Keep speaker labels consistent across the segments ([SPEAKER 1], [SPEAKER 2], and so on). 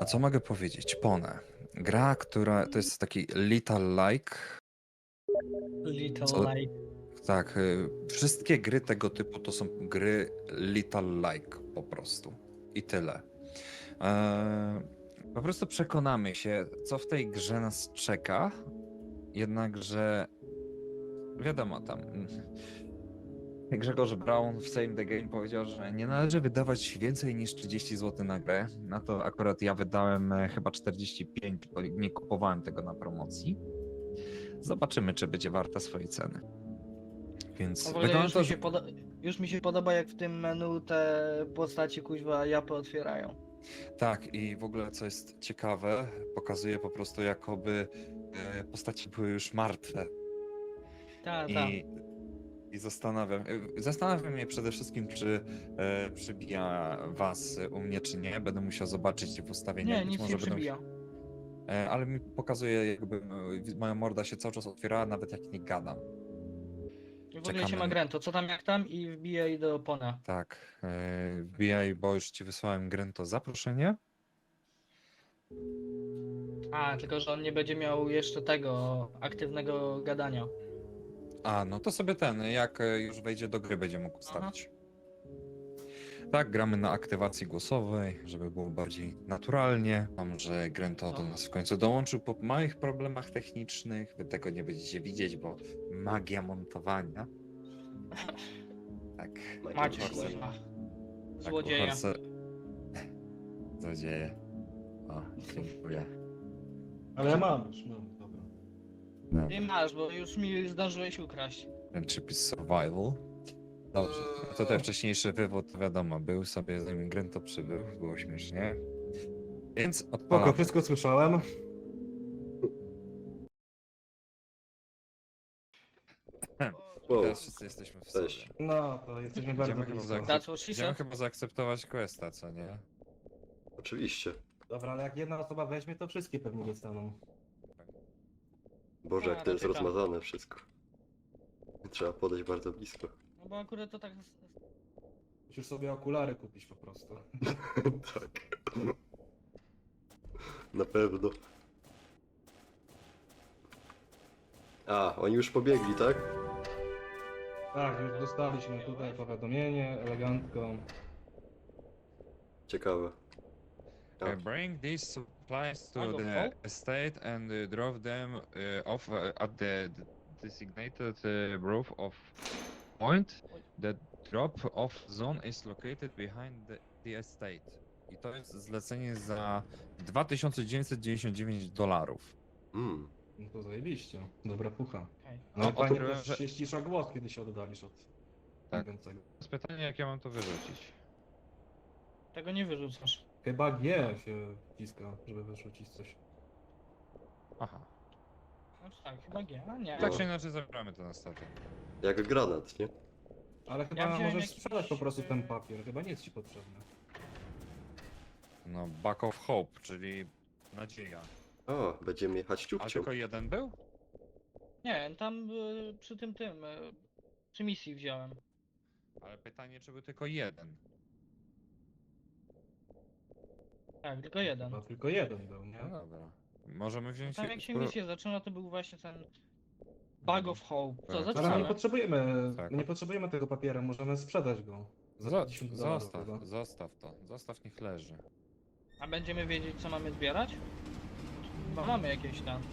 [SPEAKER 1] A co mogę powiedzieć? Pone. Gra, która to jest taki Little Like.
[SPEAKER 2] Little
[SPEAKER 1] Co?
[SPEAKER 2] Light.
[SPEAKER 1] Tak, wszystkie gry tego typu to są gry Little Like po prostu. I tyle. Po prostu przekonamy się, co w tej grze nas czeka. Jednakże wiadomo tam. Grzegorz Braun w Same the Game powiedział, że nie należy wydawać więcej niż 30 zł na grę. Na to akurat ja wydałem chyba 45, bo nie kupowałem tego na promocji. Zobaczymy, czy będzie warta swojej ceny. Więc
[SPEAKER 2] Ogólnie
[SPEAKER 1] wygląda
[SPEAKER 2] już
[SPEAKER 1] to,
[SPEAKER 2] mi,
[SPEAKER 1] że...
[SPEAKER 2] się już mi się podoba, jak w tym menu te postaci kuźwa japy otwierają.
[SPEAKER 1] Tak, i w ogóle co jest ciekawe, pokazuje po prostu jakoby postaci były już martwe.
[SPEAKER 2] Tak, tak.
[SPEAKER 1] I zastanawiam mnie przede wszystkim, czy przybija was u mnie, czy nie. Będę musiał zobaczyć w ustawieniach.
[SPEAKER 2] Nie,
[SPEAKER 1] Być
[SPEAKER 2] nic
[SPEAKER 1] może
[SPEAKER 2] nie
[SPEAKER 1] będą.
[SPEAKER 2] przybija.
[SPEAKER 1] Ale mi pokazuje, jakby moja morda się cały czas otwierała, nawet jak nie gadam.
[SPEAKER 2] I w ogóle się
[SPEAKER 1] Czekamy
[SPEAKER 2] ma
[SPEAKER 1] na...
[SPEAKER 2] Grento, co tam jak tam i wbijaj do Pona.
[SPEAKER 1] Tak, wbijaj, bo już ci wysłałem Grento zaproszenie.
[SPEAKER 2] A, tylko że on nie będzie miał jeszcze tego aktywnego gadania.
[SPEAKER 1] A, no to sobie jak już wejdzie do gry, będzie mógł ustawić. Tak, gramy na aktywacji głosowej, żeby było bardziej naturalnie. Mam, że Grento do nas w końcu dołączył po małych problemach technicznych. Wy tego nie będziecie widzieć, bo magia montowania. Tak.
[SPEAKER 2] Macie
[SPEAKER 1] Uhorse-
[SPEAKER 2] kuźwa.
[SPEAKER 1] tak,
[SPEAKER 2] Złodzieje.
[SPEAKER 1] Złodzieje. O, dziękuję.
[SPEAKER 3] Ale ja mam już, mam, dobra.
[SPEAKER 1] No,
[SPEAKER 2] Ty masz, bo już mi zdążyłeś ukraść.
[SPEAKER 1] Friendship is survival. Dobrze, no to ten wcześniejszy wywód, wiadomo, był sobie, zanim Grento przybył, było śmiesznie. Więc
[SPEAKER 3] Spoko,
[SPEAKER 1] odpalam.
[SPEAKER 3] wszystko słyszałem.
[SPEAKER 1] Teraz wszyscy jesteśmy w sobie.
[SPEAKER 4] Cześć.
[SPEAKER 3] No, to jesteśmy bardzo
[SPEAKER 1] Idziemy chyba,
[SPEAKER 3] blisko.
[SPEAKER 2] That's what she
[SPEAKER 1] idziemy
[SPEAKER 2] said.
[SPEAKER 1] chyba zaakceptować questa, co nie?
[SPEAKER 4] Oczywiście.
[SPEAKER 3] Dobra, ale jak jedna osoba weźmie, to wszystkie pewnie dostaną.
[SPEAKER 4] Boże,
[SPEAKER 2] A,
[SPEAKER 4] jak to jest
[SPEAKER 2] raczej tak.
[SPEAKER 4] rozmazane wszystko. Trzeba podejść bardzo blisko.
[SPEAKER 2] No bo akurat to tak...
[SPEAKER 3] Musisz sobie okulary kupić po prostu.
[SPEAKER 4] Tak. Na pewno. A, oni już pobiegli, tak?
[SPEAKER 3] Tak, już dostaliśmy tutaj powiadomienie, elegancko.
[SPEAKER 4] Ciekawe. A,
[SPEAKER 1] Bring these supplies to
[SPEAKER 2] Bag of
[SPEAKER 1] the
[SPEAKER 2] hope?
[SPEAKER 1] estate and drop them off at the designated roof of point. The drop-off zone is located behind the estate. I to jest zlecenie za $2999.
[SPEAKER 4] mm.
[SPEAKER 3] No to zajebiście. Dobra pucha.
[SPEAKER 2] Okej.
[SPEAKER 3] No
[SPEAKER 1] O,
[SPEAKER 3] fajnie
[SPEAKER 1] odkryłem,
[SPEAKER 3] też
[SPEAKER 1] że-
[SPEAKER 3] się ścisza głos, kiedy się oddalisz od
[SPEAKER 1] Tak.
[SPEAKER 3] mówiącego.
[SPEAKER 1] Jest pytanie, jak ja mam to wyrzucić.
[SPEAKER 2] Tego nie wyrzucasz.
[SPEAKER 3] Chyba G się wciska, żeby wyrzucić coś.
[SPEAKER 1] Aha.
[SPEAKER 2] No tak, chyba G, a nie.
[SPEAKER 1] Tak czy inaczej zabramy to na statek.
[SPEAKER 4] Jak granat, nie?
[SPEAKER 3] Ale chyba
[SPEAKER 2] wziąłem
[SPEAKER 3] możesz
[SPEAKER 2] jakiś,
[SPEAKER 3] sprzedać po prostu ten papier, chyba nie jest ci potrzebny.
[SPEAKER 1] No, Back of Hope, czyli nadzieja.
[SPEAKER 4] O, będziemy jechać
[SPEAKER 1] A
[SPEAKER 4] ciupcią.
[SPEAKER 1] tylko jeden był?
[SPEAKER 2] Nie, tam przy tym, przy misji wziąłem.
[SPEAKER 1] Ale pytanie, czy był tylko jeden?
[SPEAKER 2] Tak, tylko jeden.
[SPEAKER 3] Chyba tylko jeden był, nie?
[SPEAKER 1] No dobra. Możemy wziąć...
[SPEAKER 2] Tam jak się
[SPEAKER 1] spró-
[SPEAKER 2] misja zaczyna, to był właśnie ten Bag of Hope. Co,
[SPEAKER 1] Tak.
[SPEAKER 3] Ale my nie
[SPEAKER 2] zaczynamy?
[SPEAKER 3] potrzebujemy,
[SPEAKER 1] Tak.
[SPEAKER 3] my nie potrzebujemy tego papiera, możemy sprzedać go. Za
[SPEAKER 1] Zo-
[SPEAKER 3] 50 dolarów
[SPEAKER 1] zostaw,
[SPEAKER 3] chyba.
[SPEAKER 1] zostaw to. Zostaw, niech leży.
[SPEAKER 2] A będziemy wiedzieć, co mamy zbierać? Bo mamy jakieś tam.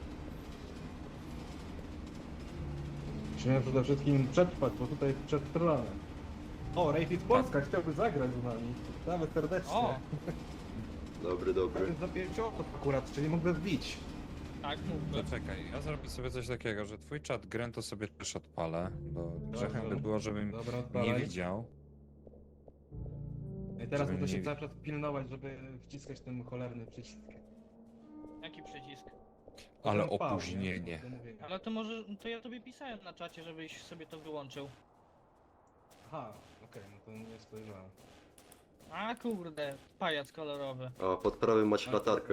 [SPEAKER 3] Musimy przede wszystkim przetrwać, bo tutaj przetrwamy. O, Rayfit Polska chciałby zagrać z nami. Witamy serdecznie.
[SPEAKER 2] O!
[SPEAKER 4] Dobry,
[SPEAKER 3] To
[SPEAKER 4] dobry.
[SPEAKER 3] jest za 5 osób akurat, czyli mógłby wbić.
[SPEAKER 2] Tak, mógłby.
[SPEAKER 1] To czekaj, ja zrobię sobie coś takiego, że twój czat Grento sobie też odpalę, bo grzechem by
[SPEAKER 3] Dobrze.
[SPEAKER 1] było, żebym
[SPEAKER 3] Dobra,
[SPEAKER 1] nie
[SPEAKER 3] odpalaj.
[SPEAKER 1] widział.
[SPEAKER 3] I teraz
[SPEAKER 1] żebym
[SPEAKER 3] muszę się
[SPEAKER 1] nie-
[SPEAKER 3] cały czas pilnować, żeby wciskać ten cholerny przycisk.
[SPEAKER 2] Jaki przycisk?
[SPEAKER 1] Ale
[SPEAKER 3] Ten V, nie?
[SPEAKER 1] opóźnienie.
[SPEAKER 3] Do mówienia.
[SPEAKER 2] Ale to może, to ja tobie pisałem na czacie, żebyś sobie to wyłączył.
[SPEAKER 3] Aha, okej, no to nie spojrzałem.
[SPEAKER 2] A kurde, pajac kolorowy.
[SPEAKER 4] O, pod prawym macie latarkę.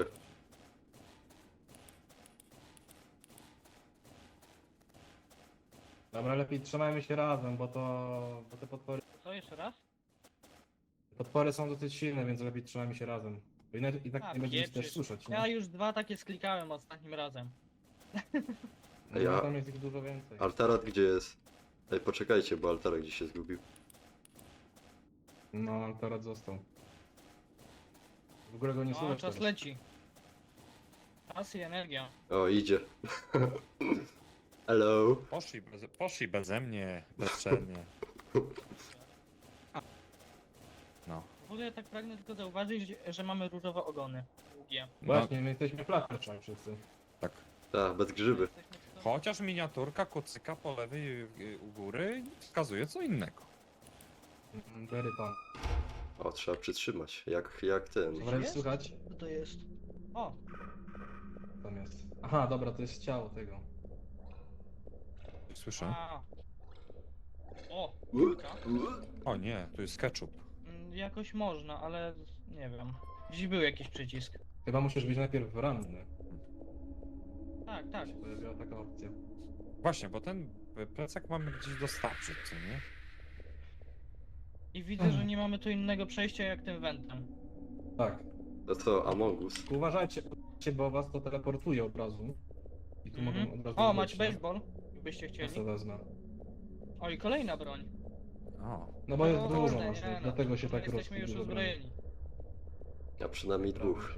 [SPEAKER 3] Dobra, lepiej trzymajmy się razem, bo te
[SPEAKER 2] Co, jeszcze raz?
[SPEAKER 3] potwory są dosyć silne, więc lepiej trzymajmy się razem. Bo inaczej i tak
[SPEAKER 2] A,
[SPEAKER 3] nie będziemy też
[SPEAKER 2] pieprzysz.
[SPEAKER 3] słyszeć, nie?
[SPEAKER 2] Ja już 2 takie sklikałem ostatnim razem.
[SPEAKER 3] No,
[SPEAKER 4] Ja-
[SPEAKER 3] tam jest ich dużo więcej.
[SPEAKER 4] Altarat gdzie jest? Ej, poczekajcie, bo Altarat gdzieś się zgubił.
[SPEAKER 3] No, Altarat został. W ogóle go nie
[SPEAKER 2] No,
[SPEAKER 3] słychać
[SPEAKER 2] czas
[SPEAKER 3] teraz.
[SPEAKER 2] leci. Czas i energia.
[SPEAKER 4] O, idzie. Hello.
[SPEAKER 1] Poszli beze mnie, bezczelnie. No.
[SPEAKER 2] W ogóle tak pragnę tylko zauważyć, że mamy różowe ogony. Długie.
[SPEAKER 1] no
[SPEAKER 3] Właśnie, my jesteśmy flatleczami wszyscy.
[SPEAKER 1] tak.
[SPEAKER 4] Tak, bez grzyby.
[SPEAKER 2] Jesteśmy w to-
[SPEAKER 1] Chociaż miniaturka kucyka po lewej u góry wskazuje co innego.
[SPEAKER 3] Very pan.
[SPEAKER 4] O, trzeba przytrzymać. Jak ten.
[SPEAKER 3] Dobra, już
[SPEAKER 2] Jest?
[SPEAKER 3] słychać?
[SPEAKER 2] Co to jest? O,
[SPEAKER 3] Tam jest. Aha, dobra, to jest ciało tego.
[SPEAKER 1] Słyszę?
[SPEAKER 2] a. O,
[SPEAKER 4] U,
[SPEAKER 2] piłka.
[SPEAKER 1] O nie, tu jest ketchup.
[SPEAKER 2] Jakoś można, ale nie wiem. Gdzieś był jakiś przycisk.
[SPEAKER 3] Chyba musisz być najpierw ranny.
[SPEAKER 2] Tak, tak.
[SPEAKER 3] Się pojawiła taka opcja.
[SPEAKER 1] Właśnie, bo ten plecak mamy gdzieś dostarczyć, co nie?
[SPEAKER 2] I widzę, że nie mamy tu innego przejścia jak tym wentem.
[SPEAKER 3] Tak.
[SPEAKER 4] To co, Among Us?
[SPEAKER 3] Tylko uważajcie, bo was to teleportuje od razu. I tu mogą od razu
[SPEAKER 2] O,
[SPEAKER 3] wejść,
[SPEAKER 2] macie
[SPEAKER 3] nie?
[SPEAKER 2] baseball, jakbyście
[SPEAKER 3] Ja
[SPEAKER 2] chcieli.
[SPEAKER 3] sobie wezmę.
[SPEAKER 2] O, i kolejna broń.
[SPEAKER 1] O,
[SPEAKER 3] No bo jest
[SPEAKER 2] O,
[SPEAKER 3] dużo
[SPEAKER 2] kurde,
[SPEAKER 3] naszych,
[SPEAKER 2] nie no,
[SPEAKER 3] dlatego się
[SPEAKER 2] my
[SPEAKER 3] tak
[SPEAKER 2] jesteśmy już
[SPEAKER 3] rozkłada.
[SPEAKER 2] uzbrojeni.
[SPEAKER 4] A przynajmniej dwóch.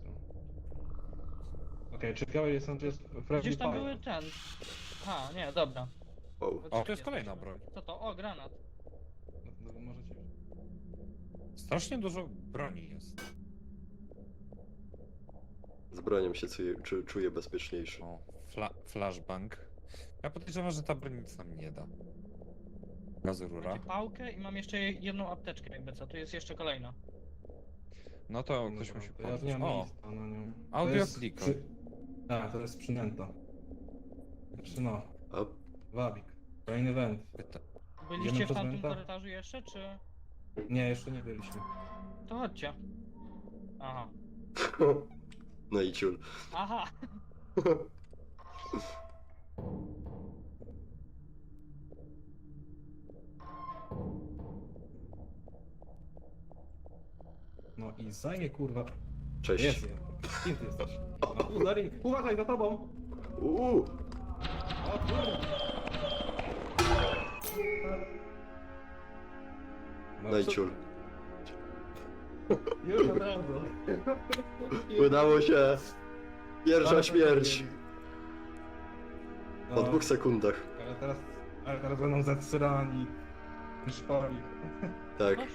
[SPEAKER 3] Okej, czy biały jest, to jest friendly
[SPEAKER 2] Gdzieś tam
[SPEAKER 3] fire.
[SPEAKER 2] były ten. A, nie, dobra.
[SPEAKER 4] O,
[SPEAKER 1] o to jest kolejna broń.
[SPEAKER 2] Co to? O, granat.
[SPEAKER 3] No, możecie...
[SPEAKER 1] Strasznie dużo broni jest.
[SPEAKER 4] z bronią się czuję bezpieczniejszy.
[SPEAKER 1] O, flashbang. Ja podejrzewam, że ta broń nic nam nie da. Gaz rura.
[SPEAKER 2] Macie pałkę i mam jeszcze jedną apteczkę jakby co. Tu jest jeszcze kolejna.
[SPEAKER 1] No to ktoś
[SPEAKER 3] Dobra,
[SPEAKER 1] musi
[SPEAKER 3] to ja
[SPEAKER 1] pomóc.
[SPEAKER 3] nie mam
[SPEAKER 1] O,
[SPEAKER 3] miejsca na nią. To
[SPEAKER 1] audio
[SPEAKER 3] jest
[SPEAKER 1] clicker.
[SPEAKER 3] Tak, to jest przynęta. Znaczy no,
[SPEAKER 4] A,
[SPEAKER 3] wabik. Kolejny węd.
[SPEAKER 2] Byliście
[SPEAKER 3] Idziemy
[SPEAKER 2] w
[SPEAKER 3] przez
[SPEAKER 2] tamtym
[SPEAKER 3] wenta?
[SPEAKER 2] korytarzu jeszcze, czy...
[SPEAKER 3] Nie, jeszcze nie byliśmy.
[SPEAKER 2] To chodźcie. Aha.
[SPEAKER 4] no i ciul.
[SPEAKER 2] Aha!
[SPEAKER 3] No i zaje kurwa.
[SPEAKER 4] Cześć.
[SPEAKER 3] Jest je. Kim ty jesteś? O, Darin, uważaj za tobą!
[SPEAKER 4] Uuu,
[SPEAKER 3] O kurwa!
[SPEAKER 4] no i ciul.
[SPEAKER 3] Już od razu.
[SPEAKER 4] Udało się. Pierwsza
[SPEAKER 3] Ale
[SPEAKER 4] śmierć.
[SPEAKER 3] No,
[SPEAKER 4] Po 2 sekundach.
[SPEAKER 3] ale teraz będą zatrzymani. Szpali.
[SPEAKER 4] Tak.
[SPEAKER 2] Coś?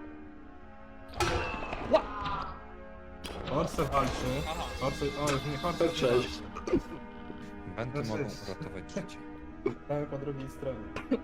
[SPEAKER 3] Orce walczy.
[SPEAKER 2] Aha.
[SPEAKER 3] Orce, o, już nie Orce.
[SPEAKER 4] Cześć.
[SPEAKER 1] Będę
[SPEAKER 3] No
[SPEAKER 1] mogą
[SPEAKER 3] cześć.
[SPEAKER 1] uratować życie.
[SPEAKER 3] Mamy po drugiej stronie.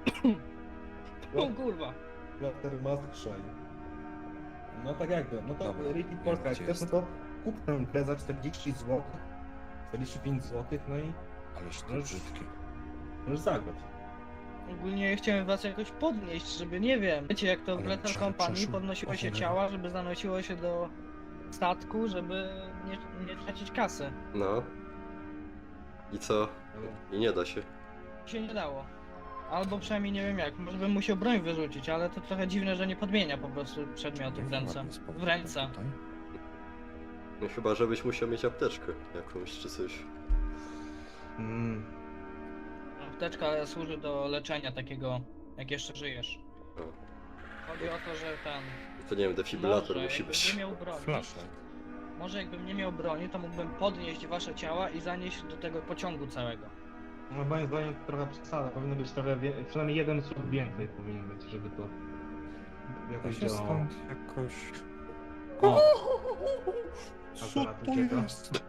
[SPEAKER 2] O kurwa!
[SPEAKER 3] Plater Mask Shine. No tak jakby, no to
[SPEAKER 1] Dobra,
[SPEAKER 3] Repeat
[SPEAKER 1] wiem,
[SPEAKER 3] Polska, jak
[SPEAKER 1] gdzie
[SPEAKER 3] chcesz, no
[SPEAKER 1] jest.
[SPEAKER 3] to kup tę grę za 40 zł. 45 zł, no i
[SPEAKER 1] Aleś to
[SPEAKER 3] Już-
[SPEAKER 1] brzydkie.
[SPEAKER 3] możesz zagrać.
[SPEAKER 2] Ogólnie chciałem was jakoś podnieść, żeby nie wiem. Wiecie jak to w
[SPEAKER 1] Ale
[SPEAKER 2] Lethal
[SPEAKER 1] czemu
[SPEAKER 2] Company
[SPEAKER 1] przeszło?
[SPEAKER 2] podnosiło
[SPEAKER 1] O
[SPEAKER 2] się
[SPEAKER 1] cholera.
[SPEAKER 2] ciała, żeby zanosiło się do statku, żeby nie tracić kasy.
[SPEAKER 4] No. I co? I nie da się.
[SPEAKER 2] Się nie dało. Albo przynajmniej nie wiem jak, może bym musiał broń wyrzucić, ale to trochę dziwne, że nie podmienia po prostu przedmiotów w ręce.
[SPEAKER 1] Ładny spokój
[SPEAKER 2] W ręce.
[SPEAKER 1] tutaj.
[SPEAKER 4] No chyba, żebyś musiał mieć apteczkę jakąś czy coś.
[SPEAKER 3] Mm.
[SPEAKER 2] Apteczka służy do leczenia takiego, jak jeszcze żyjesz.
[SPEAKER 4] O.
[SPEAKER 2] Chodzi o to, że ten...
[SPEAKER 4] To nie wiem, defibrylator
[SPEAKER 2] może
[SPEAKER 4] musi
[SPEAKER 2] jakbym
[SPEAKER 4] być.
[SPEAKER 2] nie miał broni,
[SPEAKER 1] Flashlight.
[SPEAKER 2] może jakbym nie miał broni, to mógłbym podnieść wasze ciała i zanieść do tego pociągu całego.
[SPEAKER 3] No moim zdaniem to trochę przesada, powinno być trochę, przynajmniej jeden słup więcej powinien być, żeby to
[SPEAKER 1] To
[SPEAKER 3] jakoś
[SPEAKER 1] się
[SPEAKER 3] działało.
[SPEAKER 1] stąd jakoś...
[SPEAKER 3] O,
[SPEAKER 1] Co
[SPEAKER 3] Akurat
[SPEAKER 1] to
[SPEAKER 3] ucieka.
[SPEAKER 1] jest?
[SPEAKER 2] Być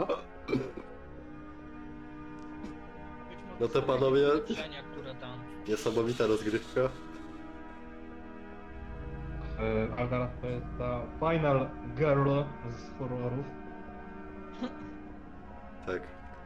[SPEAKER 2] może
[SPEAKER 4] No to
[SPEAKER 2] są
[SPEAKER 4] panowie-
[SPEAKER 2] jakieś leczenia, które tam...
[SPEAKER 4] Niesamowita rozgrywka.
[SPEAKER 3] a teraz to jest ta Final Girl z horrorów.
[SPEAKER 4] Tak.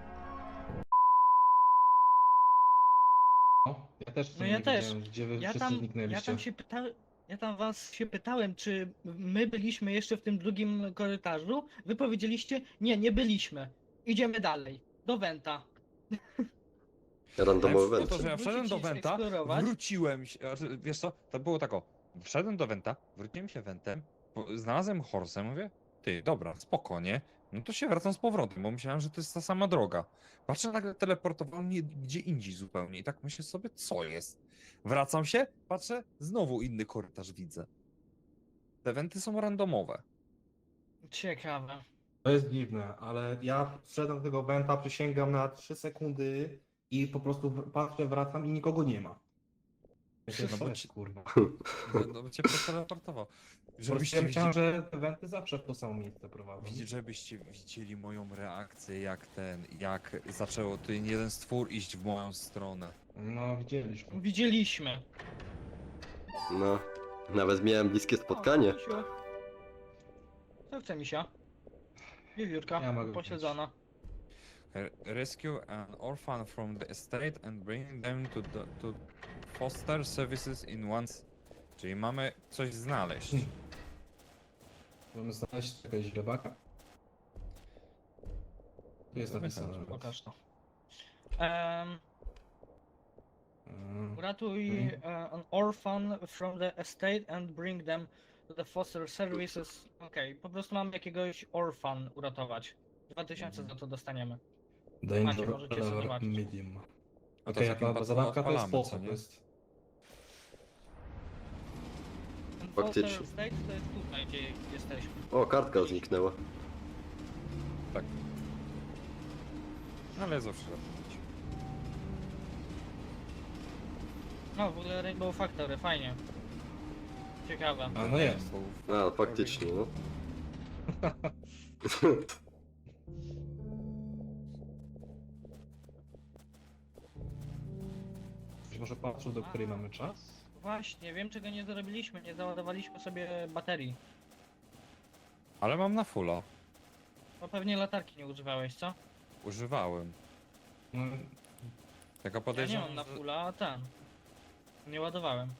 [SPEAKER 3] No, ja też w
[SPEAKER 2] No
[SPEAKER 3] sumie
[SPEAKER 2] ja
[SPEAKER 3] nie
[SPEAKER 2] też.
[SPEAKER 3] wiedziałem, gdzie wy
[SPEAKER 2] Ja
[SPEAKER 3] wszyscy
[SPEAKER 2] tam, ja
[SPEAKER 3] zniknęliście.
[SPEAKER 2] tam się pytałem, ja tam was się pytałem, czy my byliśmy jeszcze w tym drugim korytarzu? Wy powiedzieliście, nie byliśmy. Idziemy dalej, do Wenta.
[SPEAKER 4] Randomowy
[SPEAKER 1] No
[SPEAKER 4] węd.
[SPEAKER 1] to, że ja wszedłem do
[SPEAKER 2] Wrócić i
[SPEAKER 1] Wenta,
[SPEAKER 2] eksplorować.
[SPEAKER 1] wróciłem się, wiesz co, to było tak o, wszedłem do Wenta, wróciłem się Wentem, znalazłem Horsę, mówię, Ty, dobra, spokojnie. No to się wracam z powrotem, bo myślałem, że to jest ta sama droga. Patrzę, nagle teleportował mnie gdzie indziej zupełnie i tak myślę sobie, co jest? Wracam się, patrzę, znowu inny korytarz widzę. Te wenty są randomowe.
[SPEAKER 2] Ciekawe.
[SPEAKER 3] To jest dziwne, ale ja wszedłem do tego wenta, przysięgam na 3 sekundy i po prostu patrzę, wracam i nikogo nie ma. Myślę,
[SPEAKER 1] No
[SPEAKER 3] co
[SPEAKER 1] bo
[SPEAKER 3] jest,
[SPEAKER 1] ci-
[SPEAKER 3] kurwa.
[SPEAKER 1] No cię przeteleportował.
[SPEAKER 3] Żebyście ja myślałem, że te wenty zawsze w to samo miejsce prowadzą.
[SPEAKER 1] Żebyście widzieli moją reakcję, jak zaczęło ten jeden stwór iść w moją stronę.
[SPEAKER 3] No, widzieliśmy.
[SPEAKER 2] Widzieliśmy.
[SPEAKER 4] No, nawet miałem bliskie spotkanie.
[SPEAKER 2] O, Misiu. Co chce misia? Wiewiórka,
[SPEAKER 3] Ja mogę
[SPEAKER 2] posiedzona.
[SPEAKER 1] Rescue an orphan from the estate and bring them to foster services in once. Czyli mamy coś znaleźć.
[SPEAKER 3] Możemy znaleźć jakiegoś źrebaka. Tu jest napisane.
[SPEAKER 2] Pokaż to.
[SPEAKER 3] Mm.
[SPEAKER 2] Uratuj an orphan from the estate and bring them to the foster services. Okej, po prostu mam jakiegoś orphan uratować. 2000 za to dostaniemy. Macie,
[SPEAKER 3] Danger
[SPEAKER 2] możecie sobie
[SPEAKER 3] level
[SPEAKER 2] zobaczyć.
[SPEAKER 3] medium.
[SPEAKER 1] A
[SPEAKER 3] Okej,
[SPEAKER 1] z
[SPEAKER 3] a
[SPEAKER 1] jakim
[SPEAKER 3] ta
[SPEAKER 1] to
[SPEAKER 3] zabawka to jest
[SPEAKER 1] odpalamy,
[SPEAKER 3] spoko,
[SPEAKER 1] co nie?
[SPEAKER 3] to jest...
[SPEAKER 2] Ten
[SPEAKER 4] Faktycznie.
[SPEAKER 2] foster estate to jest tutaj, gdzie jesteśmy.
[SPEAKER 4] O, kartka zniknęła.
[SPEAKER 1] Tak. No ale zawsze robić.
[SPEAKER 2] No, w ogóle Rainbow Factory, fajnie. Ciekawe.
[SPEAKER 3] A no jest.
[SPEAKER 4] A, faktycznie, no.
[SPEAKER 3] Być może patrzył, do której mamy czas?
[SPEAKER 2] Właśnie, wiem czego nie zrobiliśmy, nie załadowaliśmy sobie baterii.
[SPEAKER 1] Ale mam na fulla.
[SPEAKER 2] Bo pewnie latarki nie używałeś, co?
[SPEAKER 1] Używałem.
[SPEAKER 3] No,
[SPEAKER 1] Tylko
[SPEAKER 2] Ja nie
[SPEAKER 1] podejrzewam,
[SPEAKER 2] mam na
[SPEAKER 1] że-
[SPEAKER 2] fulla, a ten. Nie ładowałem.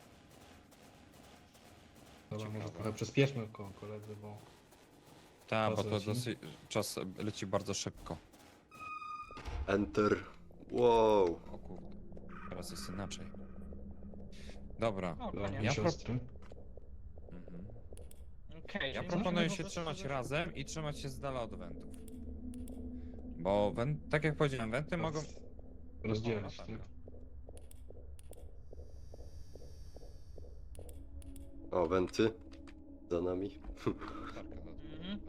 [SPEAKER 3] dobra, może
[SPEAKER 1] Ciekawe.
[SPEAKER 3] trochę przyspieszmy koledzy, bo...
[SPEAKER 1] Tak, bo
[SPEAKER 3] Czas
[SPEAKER 1] to
[SPEAKER 3] leci.
[SPEAKER 1] dosyć... Czas leci bardzo szybko.
[SPEAKER 4] Enter. Wow.
[SPEAKER 1] O kurde. Teraz jest inaczej. Dobra.
[SPEAKER 2] O,
[SPEAKER 3] Dla
[SPEAKER 2] koniec.
[SPEAKER 3] mnie siostry.
[SPEAKER 1] Mhm.
[SPEAKER 2] Okej,
[SPEAKER 1] Ja
[SPEAKER 2] czyli
[SPEAKER 1] proponuję
[SPEAKER 2] możemy
[SPEAKER 1] się
[SPEAKER 2] po prostu
[SPEAKER 1] trzymać
[SPEAKER 2] zrobić-
[SPEAKER 1] razem i trzymać się z dala od wentów. Bo tak jak powiedziałem, wenty mogą...
[SPEAKER 3] Rozdzielać,
[SPEAKER 1] O,
[SPEAKER 3] tak?
[SPEAKER 4] O, wenty. Za nami.
[SPEAKER 2] Mhm.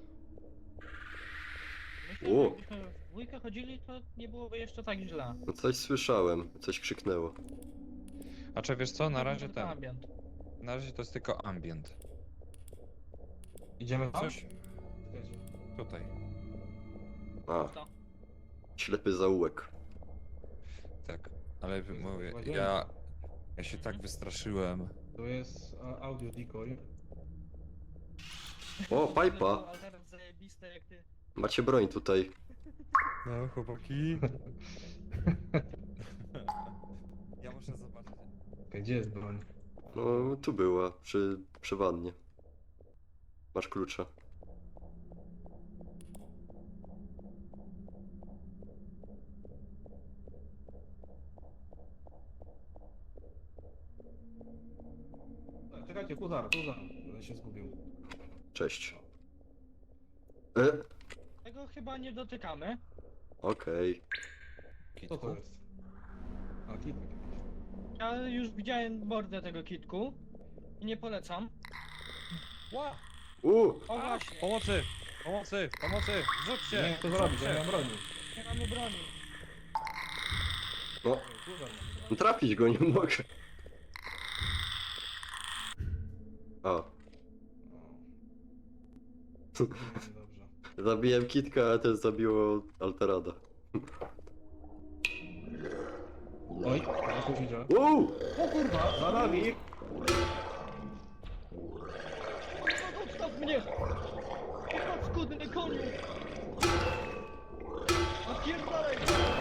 [SPEAKER 2] Myślę,
[SPEAKER 4] O.
[SPEAKER 2] że jakbyśmy w dwójkę chodzili, to nie byłoby jeszcze tak źle.
[SPEAKER 4] No coś słyszałem, coś krzyknęło.
[SPEAKER 1] A czy wiesz co, na razie
[SPEAKER 2] To
[SPEAKER 1] ten...
[SPEAKER 2] ambient.
[SPEAKER 1] Na razie to jest tylko ambient.
[SPEAKER 3] Idziemy tam?
[SPEAKER 1] Coś tutaj.
[SPEAKER 4] A,
[SPEAKER 2] To.
[SPEAKER 4] ślepy zaułek.
[SPEAKER 1] Tak. Ale
[SPEAKER 3] To jest
[SPEAKER 1] mówię,
[SPEAKER 3] łazienka.
[SPEAKER 1] ja się tak wystraszyłem.
[SPEAKER 3] To jest audio decoy.
[SPEAKER 4] O, pipa.
[SPEAKER 2] Ale teraz zajebiste jak ty.
[SPEAKER 4] Macie broń tutaj.
[SPEAKER 1] No, chłopaki. Ja muszę zobaczyć.
[SPEAKER 3] Okej, gdzie jest broń?
[SPEAKER 4] No, tu była, przy wannie. Masz klucza.
[SPEAKER 3] Czekajcie, tu zaraz, się zgubił.
[SPEAKER 4] Cześć.
[SPEAKER 2] Tego chyba nie dotykamy.
[SPEAKER 4] Okej.
[SPEAKER 3] Co to jest? A, kitek.
[SPEAKER 2] Ja już widziałem mordę tego kitku. I nie polecam.
[SPEAKER 1] Ła!
[SPEAKER 2] O właśnie,
[SPEAKER 1] Pomocy! Pomocy! Pomocy! Rzućcie!
[SPEAKER 3] Nie, to zrobić, ja nie mam broni.
[SPEAKER 2] nie mamy broni.
[SPEAKER 4] No, trafić go nie mogę. O,
[SPEAKER 3] Dobrze.
[SPEAKER 4] zabiłem Kitka, a też zabiło Alterada.
[SPEAKER 3] Oj, ja tu widzę.
[SPEAKER 4] Uuu!
[SPEAKER 3] O kurwa, za nami!
[SPEAKER 2] Odstaw mnie! Odstaw skudny koniu! Napierdalaj!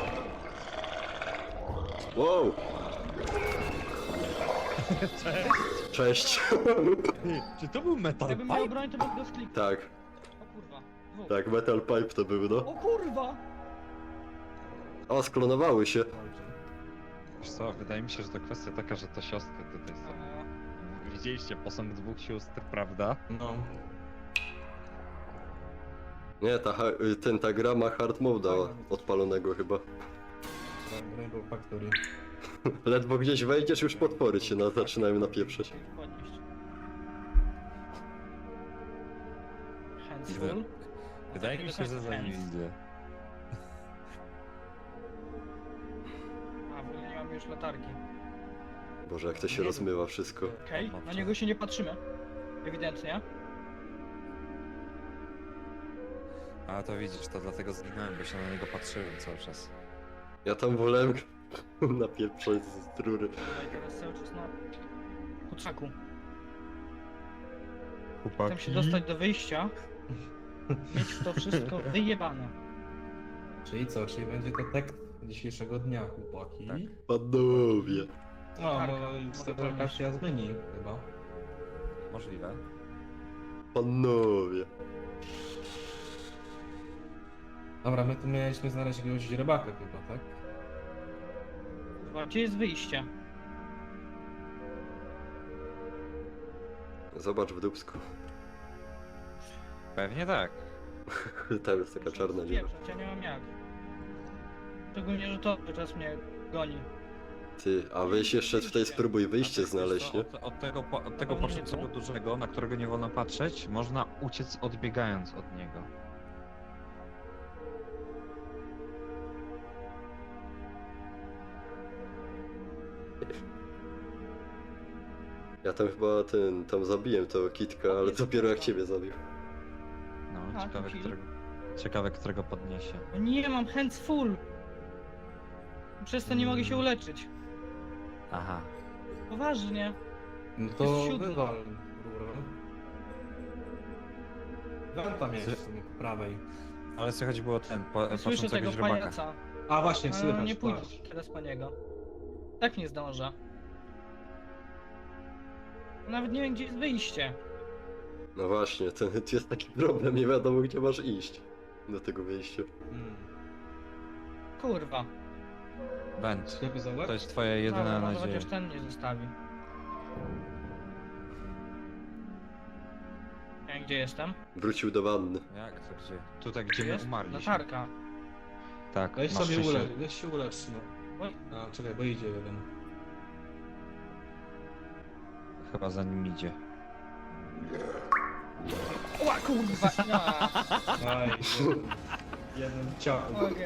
[SPEAKER 4] Wow! Cześć!
[SPEAKER 1] Czy to był metal
[SPEAKER 2] Jakbym miał broń, to bym go skliknął.
[SPEAKER 4] Tak,
[SPEAKER 2] O kurwa. Dwóch.
[SPEAKER 4] tak, Metal Pipe to był, no.
[SPEAKER 2] O kurwa!
[SPEAKER 4] O, sklonowały się.
[SPEAKER 1] Wiesz co, wydaje mi się, że to kwestia taka, że to siostry tutaj są. Widzieliście posąg dwóch sióstr, prawda?
[SPEAKER 3] No.
[SPEAKER 4] Nie, ta gra ma hard mode'a odpalonego chyba.
[SPEAKER 3] Rainbow Factory.
[SPEAKER 4] Ledwo gdzieś wejdziesz, już potwory się zaczynają napieprzeć.
[SPEAKER 2] Podnieść. Hands
[SPEAKER 1] Widzę.
[SPEAKER 2] full.
[SPEAKER 1] Wydaje mi się, że za nim idzie.
[SPEAKER 2] A, w ogóle nie mamy już latarki.
[SPEAKER 4] Boże, jak to się
[SPEAKER 2] Nie
[SPEAKER 4] rozmywa wszystko.
[SPEAKER 2] Okej, na niego się nie patrzymy. Ewidentnie.
[SPEAKER 1] A to widzisz, to dlatego zginąłem, bo się na niego patrzyłem cały czas.
[SPEAKER 4] Ja tam wolałem napieprzać z rury.
[SPEAKER 2] Tutaj teraz cały czas na kurczaku.
[SPEAKER 1] Chłopaki.
[SPEAKER 2] Chcę się dostać do wyjścia. Mieć w to wszystko wyjebane.
[SPEAKER 3] Czyli co? Czyli będzie to tekst dzisiejszego dnia, chłopaki.
[SPEAKER 1] Tak.
[SPEAKER 4] Panowie.
[SPEAKER 3] No,
[SPEAKER 2] Tarka.
[SPEAKER 3] bo steperka się zmieni chyba.
[SPEAKER 1] Możliwe.
[SPEAKER 4] Panowie.
[SPEAKER 3] Dobra, my tu mieliśmy znaleźć jakiegoś rybaka chyba, tak?
[SPEAKER 2] Kurwa, gdzie jest wyjście?
[SPEAKER 4] Zobacz w dupsku.
[SPEAKER 1] Pewnie tak.
[SPEAKER 4] Tam jest taka
[SPEAKER 2] Muszę
[SPEAKER 4] czarna dziura.
[SPEAKER 2] spieprzać, ja nie mam jak. Szczególnie, że to cały czas mnie goni.
[SPEAKER 4] Ty, a weź jeszcze tutaj spróbuj wyjście
[SPEAKER 1] A tak,
[SPEAKER 4] znaleźć,
[SPEAKER 1] wiesz
[SPEAKER 4] nie?
[SPEAKER 1] co, od tego, od tego
[SPEAKER 2] Pewnie nie
[SPEAKER 1] początku
[SPEAKER 2] tu.
[SPEAKER 1] dużego, na którego nie wolno patrzeć, można uciec odbiegając od niego.
[SPEAKER 4] Ja tam chyba tam zabiłem tego kitka, ale dopiero jak ciebie zabił.
[SPEAKER 1] No,
[SPEAKER 2] A,
[SPEAKER 1] ciekawe,
[SPEAKER 2] to
[SPEAKER 1] którego podniesie.
[SPEAKER 2] No nie, mam hands full! Przez to nie mogę się uleczyć.
[SPEAKER 1] Aha.
[SPEAKER 2] Poważnie.
[SPEAKER 3] No
[SPEAKER 2] Jest
[SPEAKER 3] to
[SPEAKER 2] siódmy.
[SPEAKER 3] wywal rurę. Wenta miałeś w sumie po prawej.
[SPEAKER 1] Ale słychać było
[SPEAKER 2] Słyszę
[SPEAKER 1] patrzącego
[SPEAKER 2] tego
[SPEAKER 1] źrebaka.
[SPEAKER 2] pajaca.
[SPEAKER 3] A właśnie,
[SPEAKER 2] Ale
[SPEAKER 3] słychać,
[SPEAKER 2] nie pójdę
[SPEAKER 3] patrz.
[SPEAKER 2] teraz po niego. Tak nie zdążę. Nawet nie wiem, gdzie jest wyjście.
[SPEAKER 4] No właśnie, tu jest taki problem, nie wiadomo gdzie masz iść. Do tego wyjścia.
[SPEAKER 2] Kurwa.
[SPEAKER 1] Węd.
[SPEAKER 3] Sklepy za łeb?
[SPEAKER 1] To jest twoja jedyna
[SPEAKER 2] Dobra, może
[SPEAKER 1] nadzieja.
[SPEAKER 2] chociaż ten nie zostawi. Ja gdzie jestem?
[SPEAKER 4] Wrócił do wanny.
[SPEAKER 1] Jak to gdzie? Tutaj gdzie my
[SPEAKER 2] Jest?
[SPEAKER 1] umarliśmy.
[SPEAKER 2] Latarka.
[SPEAKER 1] Tak,
[SPEAKER 3] Weź
[SPEAKER 1] masz
[SPEAKER 3] sobie
[SPEAKER 1] szczęście.
[SPEAKER 3] ulecz, weź się ulecz, no.
[SPEAKER 2] Oj,
[SPEAKER 3] A, czekaj, bo idzie jeden.
[SPEAKER 1] Chyba za nim idzie.
[SPEAKER 2] Ła, kurwa! No.
[SPEAKER 3] Aj, jeden ciał.
[SPEAKER 2] Okej.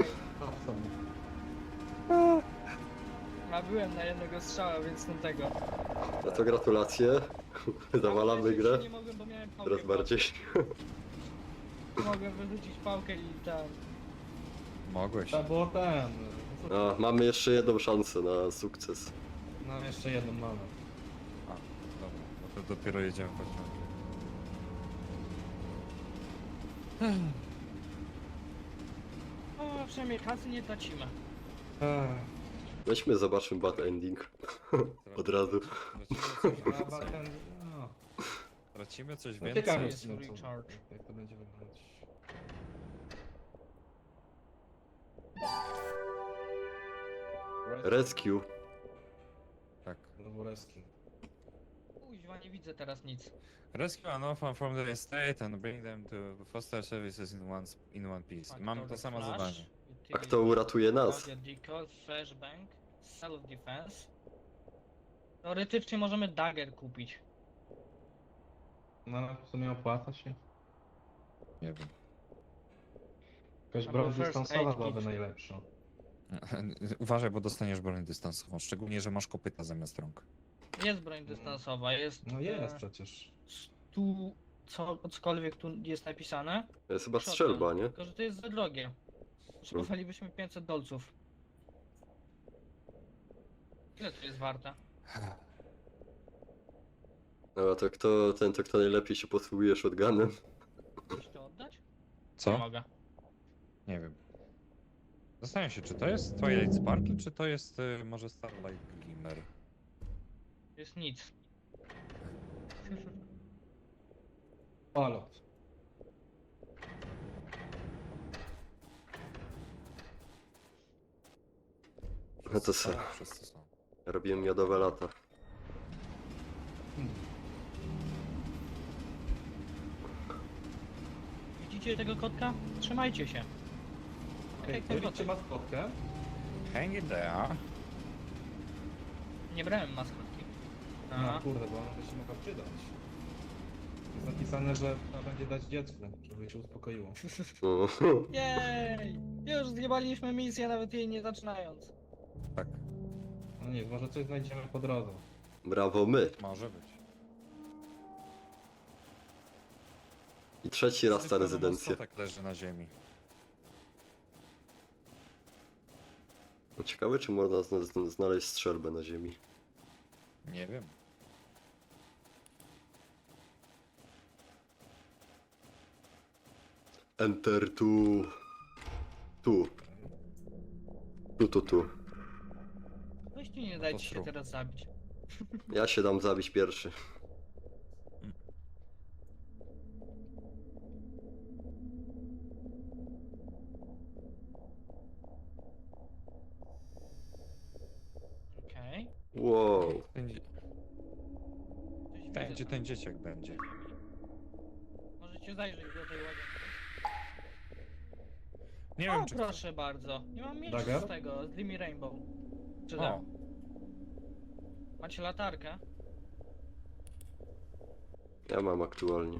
[SPEAKER 2] A byłem na jednego strzała, więc ten tego.
[SPEAKER 4] No to gratulacje. Zawalamy
[SPEAKER 2] Ja
[SPEAKER 4] grę.
[SPEAKER 2] Nie mogłem, bo miałem pałkę.
[SPEAKER 4] Coraz bardziej.
[SPEAKER 2] Mogłem wyrzucić pałkę i tam.
[SPEAKER 1] Mogłeś.
[SPEAKER 3] To było ten.
[SPEAKER 4] No, mamy jeszcze jedną szansę na sukces.
[SPEAKER 3] No, jeszcze jedną mamy.
[SPEAKER 1] A, dobra, no to dopiero jedziemy pociągiem.
[SPEAKER 2] No, przynajmniej kasy nie tracimy.
[SPEAKER 4] Weźmy, zobaczmy bad ending. Od razu.
[SPEAKER 1] Tracimy coś
[SPEAKER 3] No,
[SPEAKER 1] więcej.
[SPEAKER 3] ciekawe
[SPEAKER 2] jest
[SPEAKER 3] jest, no,
[SPEAKER 2] recharge.
[SPEAKER 3] jak to będzie wyglądać.
[SPEAKER 4] Rescue.
[SPEAKER 1] Tak.
[SPEAKER 3] Znowu rescue.
[SPEAKER 2] Kuźwa, nie widzę teraz nic.
[SPEAKER 1] Rescue an orphan from the estate and bring them to foster services in one piece. Mamy to samo zadanie.
[SPEAKER 4] A kto uratuje nas?
[SPEAKER 2] Decal, flashbang, self-defense. Teoretycznie możemy dagger kupić.
[SPEAKER 3] No, ale w sumie opłaca się.
[SPEAKER 1] Nie wiem.
[SPEAKER 3] Jakaś
[SPEAKER 2] Albo
[SPEAKER 3] broń
[SPEAKER 2] first
[SPEAKER 3] dystansowa
[SPEAKER 2] aid
[SPEAKER 3] byłaby
[SPEAKER 2] kit.
[SPEAKER 3] najlepsza.
[SPEAKER 1] Uważaj, bo dostaniesz broń dystansową, szczególnie, że masz kopyta zamiast rąk.
[SPEAKER 2] Jest broń dystansowa, jest...
[SPEAKER 3] No jest przecież.
[SPEAKER 2] Tu cokolwiek tu jest napisane.
[SPEAKER 4] To jest chyba
[SPEAKER 2] Shotgun,
[SPEAKER 4] strzelba, nie?
[SPEAKER 2] Tylko, że to jest za drogie. Potrzebowalibyśmy 500 dolców. Ile to jest warte?
[SPEAKER 4] No a to kto najlepiej się posługuje shotgunem?
[SPEAKER 2] Chcesz to oddać? Nie
[SPEAKER 1] Co?
[SPEAKER 2] mogę.
[SPEAKER 1] Nie wiem. Zastanawiam się, czy to jest Twilight Sparkle, czy to jest może Starlight Glimmer?
[SPEAKER 2] To jest nic.
[SPEAKER 3] Palot.
[SPEAKER 4] No to co?
[SPEAKER 1] Tak, wszyscy są.
[SPEAKER 4] Robiłem miodowe lata.
[SPEAKER 2] Widzicie Widzicie tego kotka? Trzymajcie się. Tak jak ten
[SPEAKER 3] Widzicie
[SPEAKER 2] kotek.
[SPEAKER 3] maskotkę?
[SPEAKER 1] Hang it there.
[SPEAKER 2] Nie brałem maskotki.
[SPEAKER 3] No
[SPEAKER 2] Aha.
[SPEAKER 3] kurde, bo ona by się mogła przydać. Jest napisane, że trzeba będzie dać dziecku, żeby się uspokoiło.
[SPEAKER 4] O,
[SPEAKER 2] Jej! Już zjebaliśmy misję, nawet jej nie zaczynając.
[SPEAKER 1] Tak,
[SPEAKER 3] No nie, może coś znajdziemy po drodze.
[SPEAKER 4] brawo my.
[SPEAKER 1] może być.
[SPEAKER 4] I trzeci raz ta
[SPEAKER 1] Tylko
[SPEAKER 4] rezydencja.
[SPEAKER 1] Tak leży na ziemi.
[SPEAKER 4] No ciekawe, czy można znaleźć strzelbę na ziemi.
[SPEAKER 1] Nie wiem.
[SPEAKER 4] Enter tu. Tu. Tu.
[SPEAKER 2] Weźcie, nie dajcie się
[SPEAKER 1] Ostro.
[SPEAKER 2] teraz zabić.
[SPEAKER 4] Ja się dam zabić pierwszy.
[SPEAKER 2] Okej.
[SPEAKER 4] Wow.
[SPEAKER 1] Będzie,
[SPEAKER 2] Coś widzę
[SPEAKER 1] będzie
[SPEAKER 2] tam.
[SPEAKER 1] ten dzieciak będzie.
[SPEAKER 2] Możecie zajrzeć do tej łazienki.
[SPEAKER 1] Nie
[SPEAKER 2] O,
[SPEAKER 1] wiem, czy
[SPEAKER 2] proszę bardzo. Nie mam mieć
[SPEAKER 3] Dagger?
[SPEAKER 2] z tego, z Limi Rainbow. Czy
[SPEAKER 1] O,
[SPEAKER 2] da? Macie latarkę?
[SPEAKER 4] Ja mam aktualnie.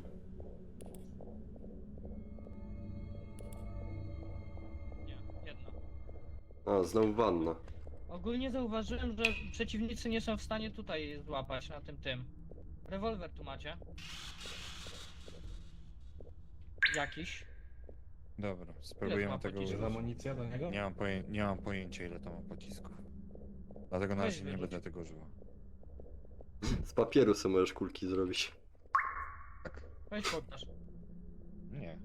[SPEAKER 2] Nie, jedna.
[SPEAKER 4] A, znowu wanna.
[SPEAKER 2] Ogólnie zauważyłem, że przeciwnicy nie są w stanie tutaj złapać na tym. Rewolwer tu macie. Jakiś.
[SPEAKER 1] dobra,
[SPEAKER 2] Ile
[SPEAKER 1] spróbujemy
[SPEAKER 2] ma
[SPEAKER 1] tego
[SPEAKER 2] pocisków?
[SPEAKER 3] Jest
[SPEAKER 1] użyć.
[SPEAKER 3] amunicja do niego?
[SPEAKER 1] Nie mam pojęcia, ile to ma pocisków. Dlatego na
[SPEAKER 2] Weź
[SPEAKER 1] razie nie
[SPEAKER 2] wyrzuć.
[SPEAKER 1] będę tego używał.
[SPEAKER 4] Z papieru sobie możesz kulki zrobić.
[SPEAKER 1] Tak.
[SPEAKER 2] Weź pokaż.
[SPEAKER 1] Nie.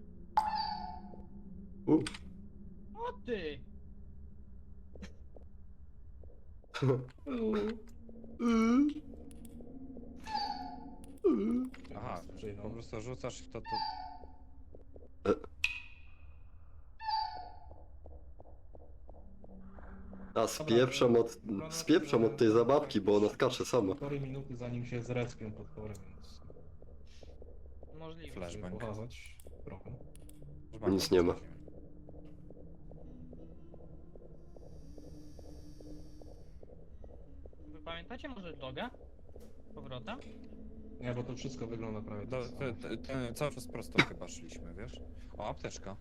[SPEAKER 2] O ty!
[SPEAKER 1] Aha,
[SPEAKER 3] Przyjdą.
[SPEAKER 1] po prostu rzucasz i to...
[SPEAKER 4] A, spieprzam od tej zabawki, bo ona skacze sama.
[SPEAKER 3] 4 minuty zanim się zrespią potwory, więc...
[SPEAKER 2] Możliwe.
[SPEAKER 1] Flash.
[SPEAKER 3] żeby
[SPEAKER 1] Flashbang.
[SPEAKER 3] pokazać trochę.
[SPEAKER 4] Nic nie ma.
[SPEAKER 2] Wy pamiętacie może loga? Powrotem?
[SPEAKER 3] Nie, bo to wszystko wygląda prawie tak samo.
[SPEAKER 1] Cały czas prosto chyba szliśmy, wiesz? O, apteczka.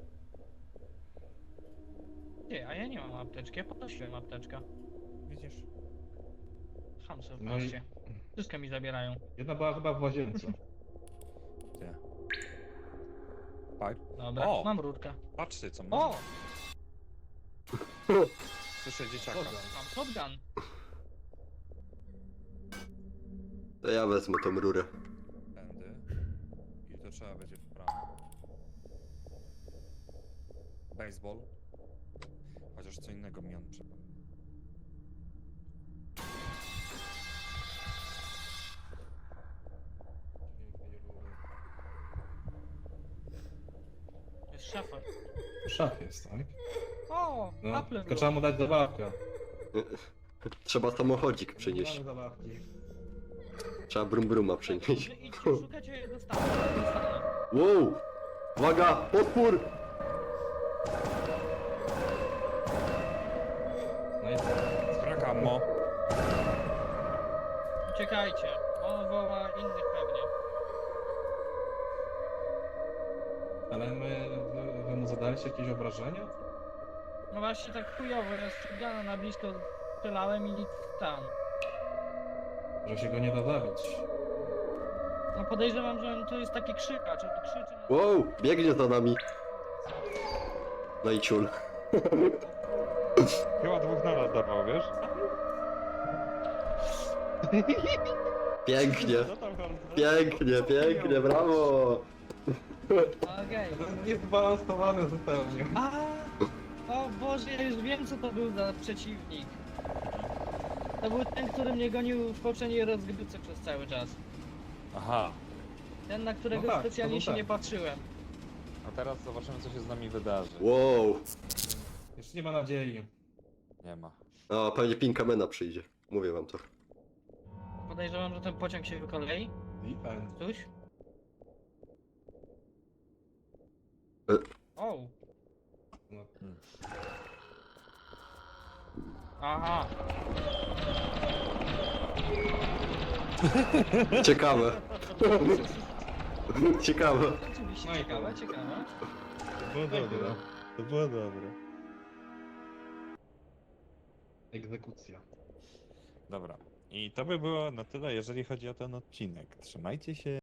[SPEAKER 2] Nie, a ja nie mam apteczki, ja podnosiłem apteczkę.
[SPEAKER 1] Widzisz?
[SPEAKER 2] Hamsy w
[SPEAKER 3] No i-
[SPEAKER 2] mieście. Wszystko mi zabierają.
[SPEAKER 3] Jedna była chyba w łazience.
[SPEAKER 1] Gdzie? Pipe?
[SPEAKER 2] Dobra,
[SPEAKER 1] O!
[SPEAKER 2] mam rurkę.
[SPEAKER 1] Patrzcie, co
[SPEAKER 2] O!
[SPEAKER 1] mam. Słyszę dzieciaka.
[SPEAKER 2] Mam shotgun.
[SPEAKER 4] To ja wezmę tą rurę.
[SPEAKER 1] Tędy. I to trzeba będzie w prawo. Baseball. Chociaż co innego mi on przypomina.
[SPEAKER 2] Jest szafa.
[SPEAKER 3] Szaf jest, tak?
[SPEAKER 2] O!
[SPEAKER 3] No,
[SPEAKER 2] Apple
[SPEAKER 3] tylko trzeba mu dać zabawkę.
[SPEAKER 4] Trzeba samochodzik
[SPEAKER 3] Nie
[SPEAKER 4] przynieść.
[SPEAKER 3] mamy zabawki.
[SPEAKER 4] Trzeba bruma przynieść.
[SPEAKER 2] Idźcie, szukać, ja je dostanę. Dostanę.
[SPEAKER 4] Wow! Uwaga! Potwór!
[SPEAKER 3] No i
[SPEAKER 1] Brak ammo.
[SPEAKER 2] Uciekajcie. On woła innych pewnie.
[SPEAKER 3] ale wy mu zadaliście jakieś obrażenia?
[SPEAKER 2] No właśnie tak chujowo, ja strzegana na blisko strzelałem i nic tam.
[SPEAKER 3] Że się go nie da zabić.
[SPEAKER 2] No podejrzewam, że on to jest taki krzykacz, on krzyczy na...
[SPEAKER 4] Wow! Biegnie za nami. No i ciul.
[SPEAKER 1] Chyba dwóch naraz dawał, wiesz?
[SPEAKER 4] Pięknie! Pięknie, brawo!
[SPEAKER 2] Okej.
[SPEAKER 3] To jest niezbalansowane zupełnie.
[SPEAKER 2] A, o Boże, ja już wiem co to był za przeciwnik. To był ten, który mnie gonił w poprzedniej rozgrywce przez cały czas.
[SPEAKER 1] Aha.
[SPEAKER 2] Ten, na którego
[SPEAKER 3] No tak,
[SPEAKER 2] specjalnie
[SPEAKER 3] to był
[SPEAKER 2] się
[SPEAKER 3] ten.
[SPEAKER 2] nie patrzyłem.
[SPEAKER 1] A teraz zobaczymy, co się z nami wydarzy.
[SPEAKER 4] Wow!
[SPEAKER 3] Już nie ma nadziei.
[SPEAKER 1] Nie ma.
[SPEAKER 4] O, pewnie Pinkamena przyjdzie. Mówię wam to.
[SPEAKER 2] Podejrzewam, że ten pociąg się wykolei.
[SPEAKER 3] Defend.
[SPEAKER 2] Coś? O!
[SPEAKER 3] No.
[SPEAKER 2] Aha!
[SPEAKER 4] Ciekawe. Ciekawe.
[SPEAKER 2] Oczywiście, ciekawe, ciekawe.
[SPEAKER 1] To było dobre. To było dobre.
[SPEAKER 3] Egzekucja.
[SPEAKER 1] Dobra. I to by było na tyle, jeżeli chodzi o ten odcinek. Trzymajcie się.